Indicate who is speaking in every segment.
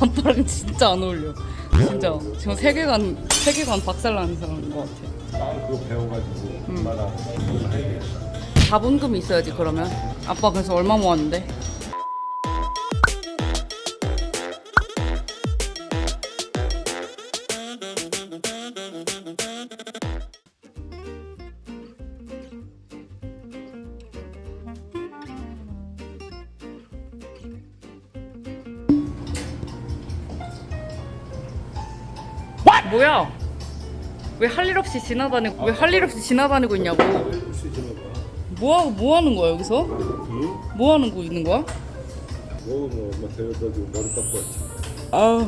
Speaker 1: 아빠랑 진짜 안 어울려. 진짜 지금 세계관 박살나는 사람인 것 같아.
Speaker 2: 난 그거 배워가지고 엄마랑 이걸 해야 되겠다.
Speaker 1: 자본금이 있어야지. 그러면 아빠 그래서 얼마 모았는데? 뭐야? 왜 할 일 없이 지나다니고 있냐고.
Speaker 2: 혹시 지나가?
Speaker 1: 뭐 하는 거야 여기서?
Speaker 2: 응?
Speaker 1: 뭐 하는 거 있는 거야?
Speaker 2: 뭐 엄마 데려다주고 머리 깎고 왔지.
Speaker 1: 아,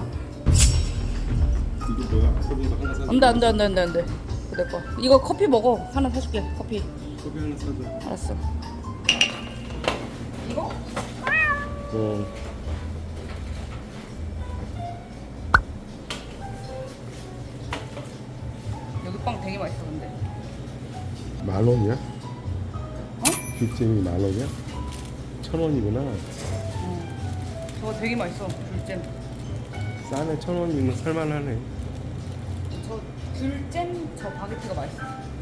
Speaker 2: 이게 뭐야? 커피도 하나 사줘.
Speaker 1: 안돼. 내 거. 이거 커피 먹어. 하나 사줄게. 커피.
Speaker 2: 커피 하나 사줘.
Speaker 1: 알았어. 이거? 여기 빵 되게 맛있어 근데.
Speaker 2: 10,000원이야?
Speaker 1: 어?
Speaker 2: 귤잼이 10,000원이야? 1,000원이구나.
Speaker 1: 저거 되게 맛있어. 귤잼.
Speaker 2: 싸네. 1,000원이면 살만하네.
Speaker 1: 저 귤잼 저 바게트가 맛있어.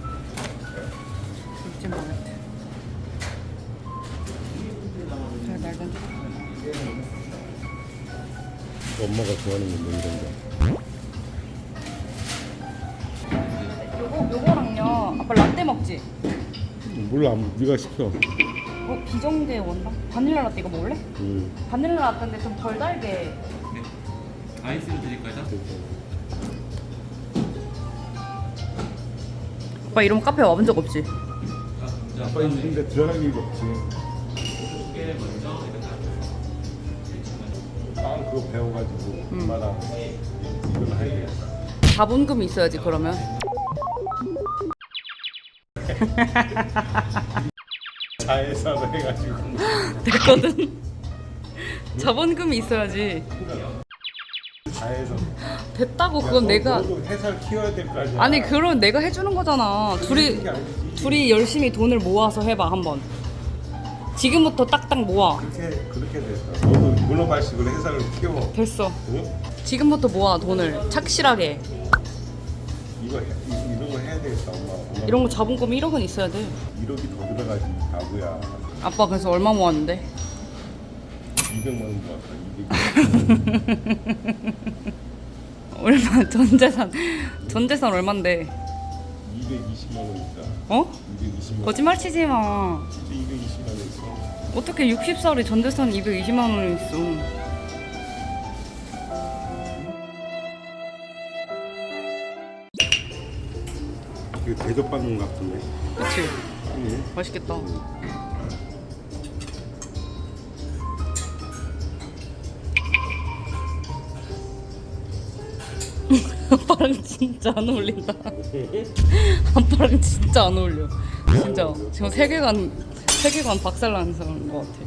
Speaker 1: 귤잼 바게트. 잘 날던.
Speaker 2: 엄마가 좋아하는 건데 이런 거.
Speaker 1: 요거랑요. 아빠 라떼 먹지?
Speaker 2: 몰라. 네가 시켜.
Speaker 1: 비정제 원당? 바닐라 라떼 이거 먹을래? 바닐라 라떼인데 좀 덜 달게.
Speaker 3: 아이스로 드릴까요?
Speaker 1: 오빠 이러면 카페 와본 적 없지?
Speaker 2: 아빠 이런데 들어갈 일이 없지. 난 그거 배워가지고 엄마랑 이걸 해야 되겠다.
Speaker 1: 자본금이 있어야지 그러면.
Speaker 2: 자회사로 해가지고.
Speaker 1: 됐거든. 자본금이 있어야지.
Speaker 2: 자회사.
Speaker 1: 됐다고. 그건 내가.
Speaker 2: 너도 회사를 키워야 될 거 아니야.
Speaker 1: 아니 그럼 내가 해주는 거잖아. 둘이 열심히 돈을 모아서 해봐 한번. 지금부터 딱딱 모아.
Speaker 2: 그렇게 됐어. 너도 글로벌식으로 회사를 키워.
Speaker 1: 됐어.
Speaker 2: 응?
Speaker 1: 지금부터 모아 돈을 착실하게.
Speaker 2: 이런 거 해야 되겠다. 엄마.
Speaker 1: 이런 거 자본금 1억은 있어야 돼.
Speaker 2: 1억이 더 들어가지. 바보야.
Speaker 1: 아빠 그래서 얼마 모았는데?
Speaker 2: 200만 원 모았다. 200.
Speaker 1: 얼마? 전 재산 얼만데?
Speaker 2: 220만 원 있다.
Speaker 1: 어?
Speaker 2: 220만 원.
Speaker 1: 거짓말 치지 마.
Speaker 2: 진짜 220만 원 있어.
Speaker 1: 어떻게 60살에 전 재산 220만 원이 있어?
Speaker 2: 이거 대접받는 것 같은데.
Speaker 1: 그치?
Speaker 2: 응.
Speaker 1: 맛있겠다. 아빠랑 진짜 안 어울린다. 아빠랑 진짜 안 어울려. 진짜 지금 세계관 박살나는 사람인 것 같아.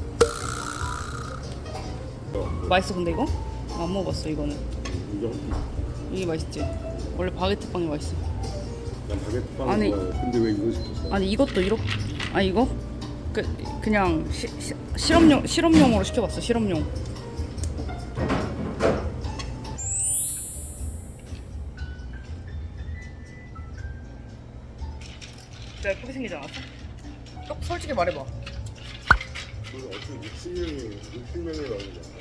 Speaker 1: 맛있어 근데 이거? 안 먹어봤어 이거는.
Speaker 2: 이거
Speaker 1: 이게 맛있지? 원래 바게트 빵이 맛있어.
Speaker 2: 난 바게트 빵
Speaker 1: 아니.
Speaker 2: 좋아해. 근데 왜 이거 시켰어?
Speaker 1: 아니 이것도 이렇게. 아 이거? 그냥 실험용으로 시켜봤어. 실험용. 진짜 예쁘게 생기지 않았어? 솔직히 말해봐.
Speaker 2: 어떻게 60명이 나오는 거야?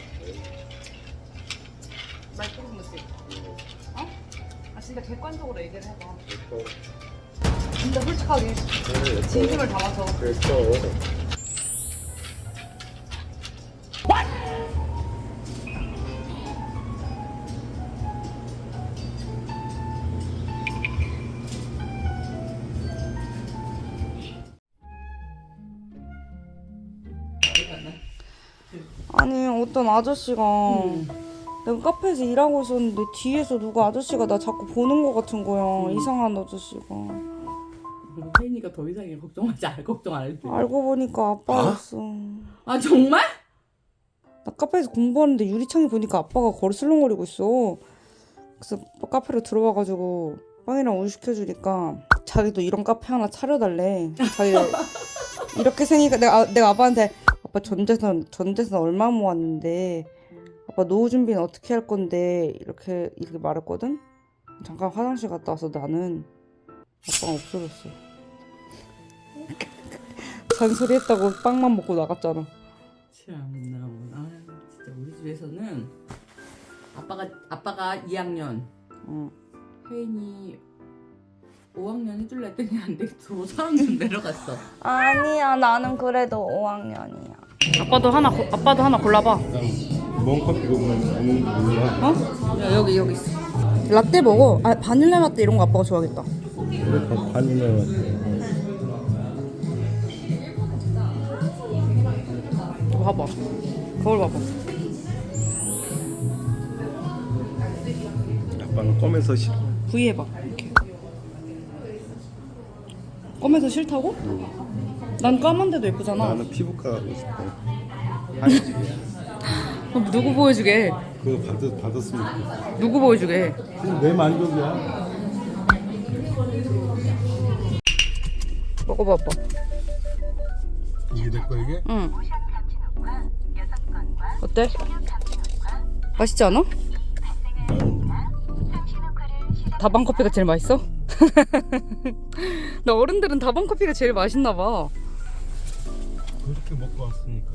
Speaker 1: 나 예쁘게 생겼지? 어? 아 진짜 객관적으로 얘기를 해봐.
Speaker 2: 예뻐.
Speaker 1: 진짜 솔직하게 진심을 담아서.
Speaker 2: 됐어.
Speaker 4: 아니 어떤 아저씨가 내가 카페에서 일하고 있었는데 뒤에서 누가 아저씨가 나 자꾸 보는 거 같은 거야. 이상한 아저씨가.
Speaker 5: 혜인이가 더 이상해. 걱정하지 알 걱정 안 해도 돼.
Speaker 4: 알고 보니까 아빠였어.
Speaker 5: 아 정말?
Speaker 4: 나 카페에서 공부하는데 유리창에 보니까 아빠가 거리 슬렁거리고 있어. 그래서 카페로 들어와가지고 빵이랑 우유 시켜주니까 자기도 이런 카페 하나 차려달래. 자기가 이렇게 생기니까 내가 아빠한테 아빠 전 재산 얼마 모았는데 아빠 노후 준비는 어떻게 할 건데 이렇게 말했거든. 잠깐 화장실 갔다 와서 나는 아빠가 없어졌어. 잔소리 했다고 빵만 먹고 나갔잖아.
Speaker 5: 참나 뭐. 아 진짜 우리 집에서는 아빠가 2학년,
Speaker 4: 응.
Speaker 5: 혜인이 5학년 해줄라 했더니 안 되겠어. 3학년 내려갔어.
Speaker 4: 아니야, 나는 그래도 5학년이야.
Speaker 1: 아빠도 하나 골라봐.
Speaker 2: 뭔 커피가 오는 거야?
Speaker 1: 어? 야, 여기 있어.
Speaker 4: 라떼 먹어. 아, 바닐라 라떼 이런 거 아빠가 좋아하겠다.
Speaker 2: 그래 더 바닐라
Speaker 1: 이거 봐봐. 거울 봐봐.
Speaker 2: 아빠는 검에서 싫어.
Speaker 1: V 해봐. 이렇게. 검에서 싫다고? 난 까만데도 예쁘잖아.
Speaker 2: 나는 피부과 가고 싶어. 하얘지게.
Speaker 1: 그럼 누구 보여주게?
Speaker 2: 그거 받았으면 좋겠어.
Speaker 1: 누구 보여주게?
Speaker 2: 그럼 내 만족이야.
Speaker 4: 먹어봐, 아빠.
Speaker 2: 이게 내 거 이게?
Speaker 1: 응. 어때? 맛있지 않아? 다방 커피가 제일 맛있어? 나 어른들은 다방 커피가 제일 맛있나 봐.
Speaker 2: 그렇게 먹고 왔으니까.